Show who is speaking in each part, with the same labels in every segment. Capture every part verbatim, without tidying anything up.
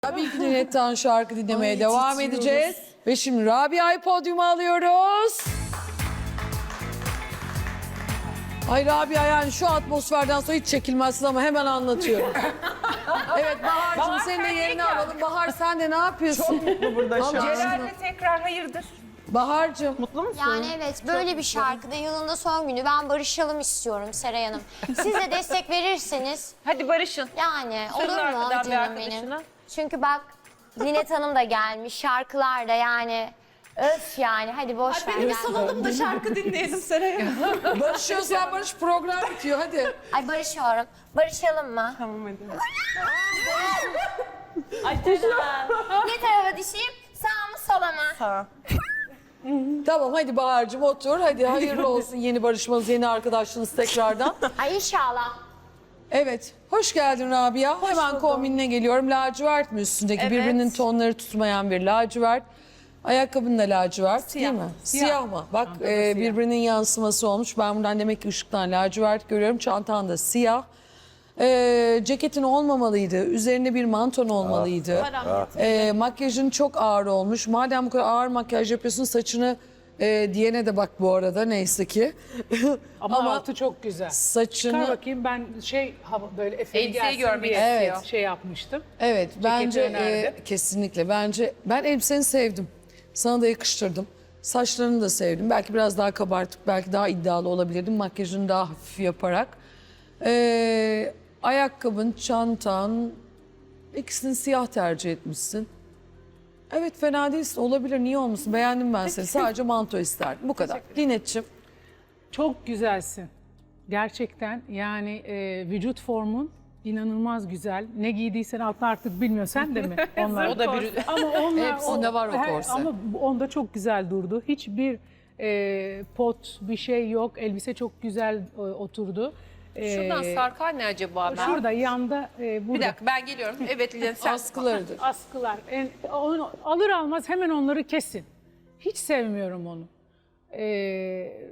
Speaker 1: Tabii ki Nilet'ten şarkı dinlemeye
Speaker 2: Ay,
Speaker 1: devam
Speaker 2: titriyoruz.
Speaker 1: edeceğiz. Ve şimdi Rabia'yı podyuma alıyoruz. Ay Rabia, yani şu atmosferden sonra hiç çekilmezsin ama hemen anlatıyorum. Evet Bahar'cığım,
Speaker 3: Bahar,
Speaker 1: senin de
Speaker 3: sen
Speaker 1: yerini
Speaker 3: ilk ya.
Speaker 1: alalım. Bahar, sen de ne yapıyorsun?
Speaker 2: Çok mutlu burada şu an.
Speaker 3: Celal'le tekrar hayırdır?
Speaker 1: Bahar'cığım.
Speaker 2: Mutlu musun?
Speaker 4: Yani evet, böyle bir şarkıda yılında son günü ben barışalım istiyorum Seray Hanım. Siz de destek verirseniz
Speaker 3: Hadi barışın.
Speaker 4: yani
Speaker 3: Sarıl
Speaker 4: olur mu
Speaker 3: arkadan bir
Speaker 4: canım
Speaker 3: arkadaşına.
Speaker 4: benim? Çünkü bak Linet Hanım da gelmiş, şarkılar da yani öf yani, hadi boş ver. gel.
Speaker 2: Salalım da şarkı dinleyelim Seray'a.
Speaker 1: Barışıyorsan barış, program bitiyor hadi.
Speaker 4: Ay barışıyorum. Barışalım mı?
Speaker 2: Tamam hadi.
Speaker 4: Ne tarafa düşeyim? Sağ mı sola mı?
Speaker 2: Sağ.
Speaker 1: Tamam hadi Bahar'cığım otur. Hadi hayırlı olsun yeni barışmanız, yeni arkadaşlığınız tekrardan.
Speaker 4: Ay inşallah.
Speaker 1: Evet, hoş geldin Rabia. Hemen kombinine geliyorum. Lacivert mi üstündeki?
Speaker 2: Evet.
Speaker 1: Birbirinin tonları tutmayan bir lacivert. Ayakkabın da lacivert değil mi? Siyah,
Speaker 2: Siyah.
Speaker 1: mı? Bak e, birbirinin yansıması olmuş. Ben buradan demek ki ışıktan lacivert görüyorum. Çantan da siyah. E, ceketin olmamalıydı. Üzerinde bir manton olmalıydı. E, makyajın çok ağır olmuş. Madem bu kadar ağır makyaj yapıyorsun, saçını e, diyene de bak bu arada, neyse ki.
Speaker 5: Ama,
Speaker 1: Ama
Speaker 5: altı çok güzel.
Speaker 1: saçını...
Speaker 5: Çıkar bakayım, ben şey hava böyle efeli
Speaker 3: Elbiseyi
Speaker 5: gelsin
Speaker 3: görmek
Speaker 5: diye
Speaker 1: istiyor.
Speaker 5: şey yapmıştım.
Speaker 1: Evet, bence
Speaker 5: önerdim.
Speaker 1: e, kesinlikle. Bence ben elbiseni sevdim. Sana da yakıştırdım. Saçlarını da sevdim. Belki biraz daha kabartıp belki daha iddialı olabilirdim. Makyajını daha hafif yaparak. E, ayakkabın, çantan, ikisini siyah tercih etmişsin. Evet, fena değilsin. Olabilir, niye olmasın? Beğendim ben seni. Sadece manto isterdim. Bu kadar. Linet'ciğim.
Speaker 5: Çok güzelsin. Gerçekten yani e, vücut formun inanılmaz güzel. Ne giydiysen altına artık bilmiyor, sen de mi? Onlar.
Speaker 3: O da bir...
Speaker 5: Ama onlar,
Speaker 1: Hepsinde var o
Speaker 5: her-
Speaker 1: korse.
Speaker 5: Ama onda çok güzel durdu. Hiçbir e, pot bir şey yok. Elbise çok güzel e, oturdu. E,
Speaker 3: Şuradan sarkar ne acaba ben?
Speaker 5: Şurada yanda e, burada.
Speaker 3: Bir dakika ben geliyorum. Evet Lilian sen.
Speaker 1: Askılarıdır.
Speaker 5: Askılar. En, onu alır almaz hemen onları kesin. Hiç sevmiyorum onu. Ee,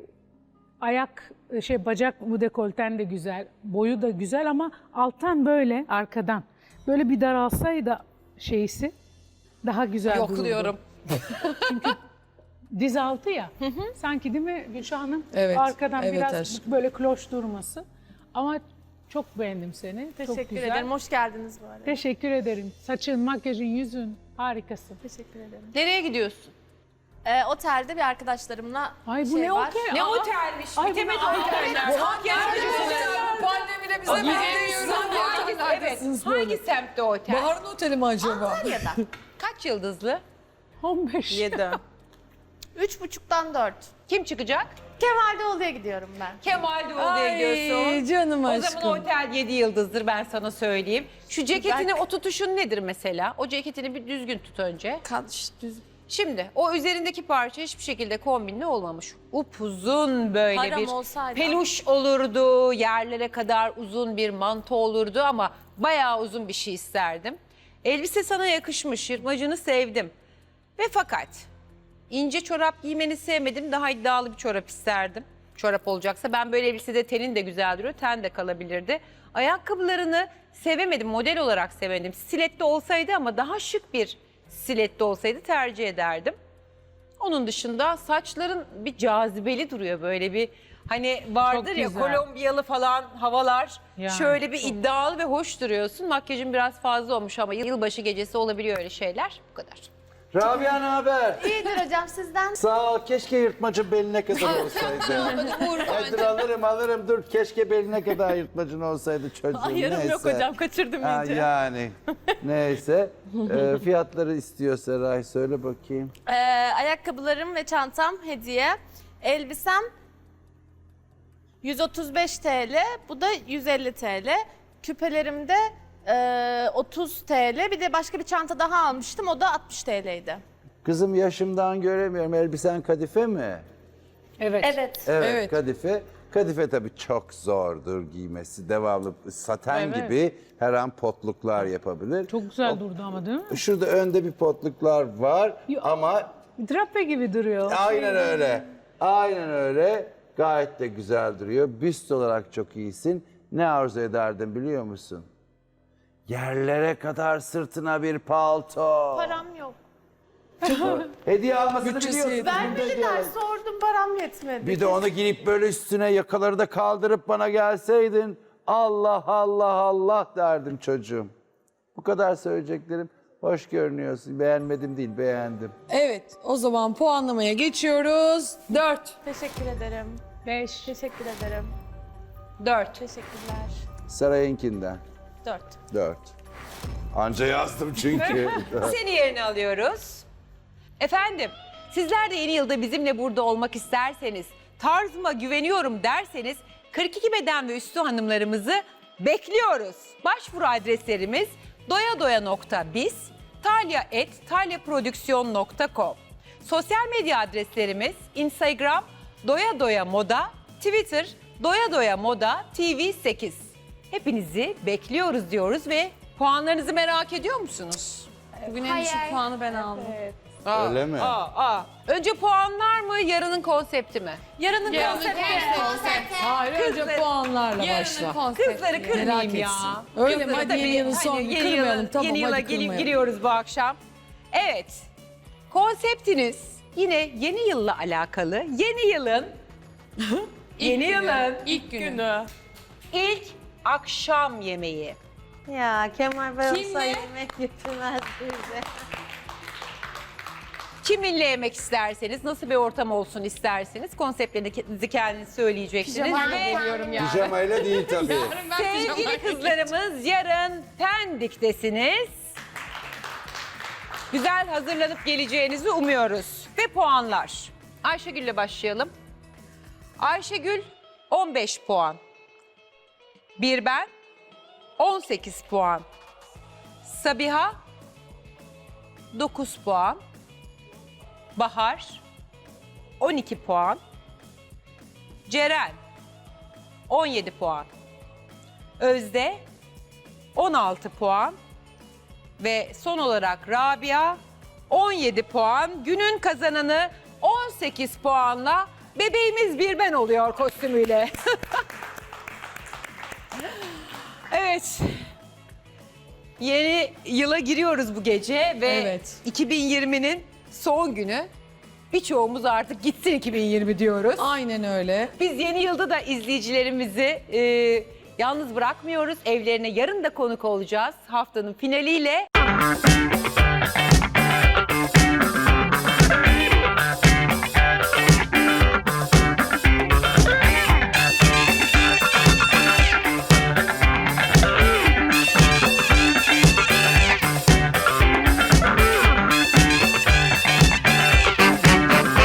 Speaker 5: ayak şey bacak bu dekolten de güzel, boyu da güzel ama alttan böyle arkadan böyle bir daralsaydı şeysi daha güzel
Speaker 3: Yokluyorum.
Speaker 5: dururdu. Diz altı ya. Sanki değil mi Gülşah Hanım?
Speaker 1: Evet,
Speaker 5: Arkadan
Speaker 1: evet
Speaker 5: biraz
Speaker 1: aşkım.
Speaker 5: böyle kloş durması. Ama çok beğendim seni. çok
Speaker 2: Teşekkür
Speaker 5: güzel.
Speaker 2: ederim. Hoş geldiniz bu arada.
Speaker 5: Teşekkür ederim. Saçın, makyajın, yüzün harikasın.
Speaker 2: Teşekkür ederim.
Speaker 3: Nereye gidiyorsun?
Speaker 2: Ee, otelde bir arkadaşlarımla
Speaker 5: Ay bu
Speaker 2: şey
Speaker 5: ne
Speaker 2: var.
Speaker 5: otel?
Speaker 3: Ne
Speaker 5: Aa,
Speaker 3: otelmiş?
Speaker 5: Ay,
Speaker 3: Bitemedi
Speaker 5: bu-
Speaker 3: oteller.
Speaker 1: Hangi pandemide bize bekliyoruz.
Speaker 3: Evet. Hangi semtte otel?
Speaker 1: Bahar'ın oteli mi acaba?
Speaker 2: Antalya'da.
Speaker 3: Kaç yıldızlı?
Speaker 5: on beş.
Speaker 2: Yedi. Üç buçuktan dört.
Speaker 3: Kim çıkacak?
Speaker 2: Kemal Doğulu'ya gidiyorum ben.
Speaker 3: Kemal Doğulu'ya
Speaker 1: Ay
Speaker 3: gidiyorsun.
Speaker 1: canım
Speaker 3: O
Speaker 1: aşkım.
Speaker 3: zaman otel yedi yıldızdır, ben sana söyleyeyim. Şu ceketini o tutuşun nedir mesela? O ceketini bir düzgün tut önce.
Speaker 2: Kadış düz.
Speaker 3: Şimdi o üzerindeki parça hiçbir şekilde kombinli olmamış. Upuzun böyle
Speaker 2: Param
Speaker 3: bir
Speaker 2: olsaydı.
Speaker 3: peluş olurdu, yerlere kadar uzun bir manto olurdu ama bayağı uzun bir şey isterdim. Elbise sana yakışmış, yırtmacını sevdim. Ve fakat ince çorap giymeni sevmedim, daha iddialı bir çorap isterdim. Çorap olacaksa ben böyle elbisede tenin de güzel duruyor, ten de kalabilirdi. Ayakkabılarını sevemedim, model olarak sevemedim. Stiletto olsaydı ama daha şık bir stiletto olsaydı tercih ederdim. Onun dışında saçların bir cazibeli duruyor, böyle bir hani vardır
Speaker 5: Çok
Speaker 3: ya
Speaker 5: güzel.
Speaker 3: Kolombiyalı falan havalar.
Speaker 5: Yani,
Speaker 3: Şöyle bir
Speaker 5: çok.
Speaker 3: iddialı ve hoş duruyorsun. Makyajın biraz fazla olmuş ama yılbaşı gecesi olabiliyor öyle şeyler. Bu kadar.
Speaker 6: Rabia ne haber?
Speaker 2: İyidir hocam sizden.
Speaker 6: Sağ ol. Keşke yırtmacın beline kadar olsaydı. Ay dur alırım alırım dur. Keşke beline kadar yırtmacın olsaydı çocuğum.
Speaker 2: Hayırım
Speaker 6: Neyse.
Speaker 2: yok hocam, kaçırdım
Speaker 6: Ha,
Speaker 2: iyice.
Speaker 6: yani. Neyse. Ee, fiyatları istiyor Seray. Söyle bakayım.
Speaker 2: Ee, ayakkabılarım ve çantam hediye. Elbisem yüz otuz beş TL, bu da yüz elli TL. Küpelerim de e, otuz TL. Bir de başka bir çanta daha almıştım, o da altmış TL'ydi.
Speaker 6: Kızım yaşımdan göremiyorum. Elbisen kadife mi?
Speaker 5: Evet.
Speaker 2: Evet.
Speaker 6: Evet,
Speaker 1: Evet.
Speaker 6: kadife. Kadife tabii çok zordur giymesi. Devamlı saten
Speaker 5: Evet.
Speaker 6: gibi her an potluklar yapabilir.
Speaker 5: Çok güzel durdu ama değil mi?
Speaker 6: Şurada önde bir potluklar var
Speaker 5: Yo-
Speaker 6: ama
Speaker 5: Drape gibi duruyor.
Speaker 6: aynen öyle. Aynen öyle. Gayet de güzel duruyor. Büst olarak çok iyisin. Ne arzu ederdin biliyor musun? Yerlere kadar sırtına bir palto.
Speaker 2: Param yok.
Speaker 6: Hediye almasını
Speaker 1: Bütçesi
Speaker 6: biliyorsun.
Speaker 1: yetmedi.
Speaker 2: Vermediler, sordum, param yetmedi.
Speaker 6: Bir de onu giyip böyle üstüne yakaları da kaldırıp bana gelseydin. Allah Allah Allah derdim çocuğum. Bu kadar söyleyeceklerim. Hoş görünüyorsun. Beğenmedim değil, beğendim.
Speaker 1: Evet, o zaman puanlamaya geçiyoruz. Dört.
Speaker 2: Teşekkür ederim.
Speaker 5: Beş.
Speaker 2: Teşekkür ederim.
Speaker 3: Dört.
Speaker 2: Teşekkürler.
Speaker 6: Sarayınkinden.
Speaker 2: Dört.
Speaker 6: Dört. Anca yazdım çünkü.
Speaker 3: Seni yerine alıyoruz. Efendim, sizler de yeni yılda bizimle burada olmak isterseniz, tarzıma güveniyorum derseniz kırk iki beden ve üstü hanımlarımızı bekliyoruz. Başvuru adreslerimiz doyadoya nokta biz, talya et talyaprodüksiyon nokta com. Sosyal medya adreslerimiz Instagram doya doya moda, Twitter doya doya moda T V sekiz. Hepinizi bekliyoruz diyoruz ve puanlarınızı merak ediyor musunuz?
Speaker 2: Bugün
Speaker 4: en düşük Hayır.
Speaker 2: puanı ben aldım.
Speaker 3: Aa,
Speaker 6: Öyle mi?
Speaker 3: Aa, aa. Önce puanlar mı, yarının konsepti mi?
Speaker 2: Yarının konsepti.
Speaker 1: Hayır, önce
Speaker 3: Kızlar-
Speaker 1: puanlarla başla.
Speaker 3: Kızları
Speaker 1: Merak
Speaker 3: kırmayayım ya.
Speaker 1: etsin. Öyle mi?
Speaker 3: Kızları
Speaker 1: Hadi
Speaker 3: tabii,
Speaker 1: yeni yılın
Speaker 3: hani
Speaker 1: sonunu
Speaker 3: yeni
Speaker 1: kırmayalım.
Speaker 3: yıla-
Speaker 1: Tamam,
Speaker 3: Yeni yıla
Speaker 1: hadi
Speaker 3: gelip
Speaker 1: kırmayalım.
Speaker 3: giriyoruz bu akşam. Evet. Konseptiniz yine yeni yılla alakalı. Yeni yılın yeni yılın
Speaker 2: İlk günü.
Speaker 3: ilk akşam yemeği.
Speaker 7: Ya Kemal Bey olsa
Speaker 2: Kimle?
Speaker 7: yemek götürmez bize.
Speaker 3: Kiminle yemek isterseniz, nasıl bir ortam olsun isterseniz konseptlerinizi kendiniz söyleyeceksiniz.
Speaker 4: Ben
Speaker 3: Ve
Speaker 4: kendim
Speaker 6: Pijamayla değil tabii.
Speaker 3: sevgili kızlarımız yarın Pendik'tesiniz. Güzel hazırlanıp geleceğinizi umuyoruz. Ve puanlar. Ayşegül'le başlayalım. Ayşegül on beş puan. Bir ben on sekiz puan. Sabiha dokuz puan. Bahar on iki puan. Ceren on yedi puan. Özde on altı puan. Ve son olarak Rabia on yedi puan. Günün kazananı on sekiz puanla bebeğimiz bir ben oluyor kostümüyle. Evet. Yeni yıla giriyoruz bu gece ve
Speaker 1: Evet.
Speaker 3: iki bin yirminin son günü. Birçoğumuz artık gitsin iki bin yirmi diyoruz.
Speaker 1: Aynen öyle.
Speaker 3: Biz yeni yılda da izleyicilerimizi e, yalnız bırakmıyoruz. Evlerine yarın da konuk olacağız haftanın finaliyle.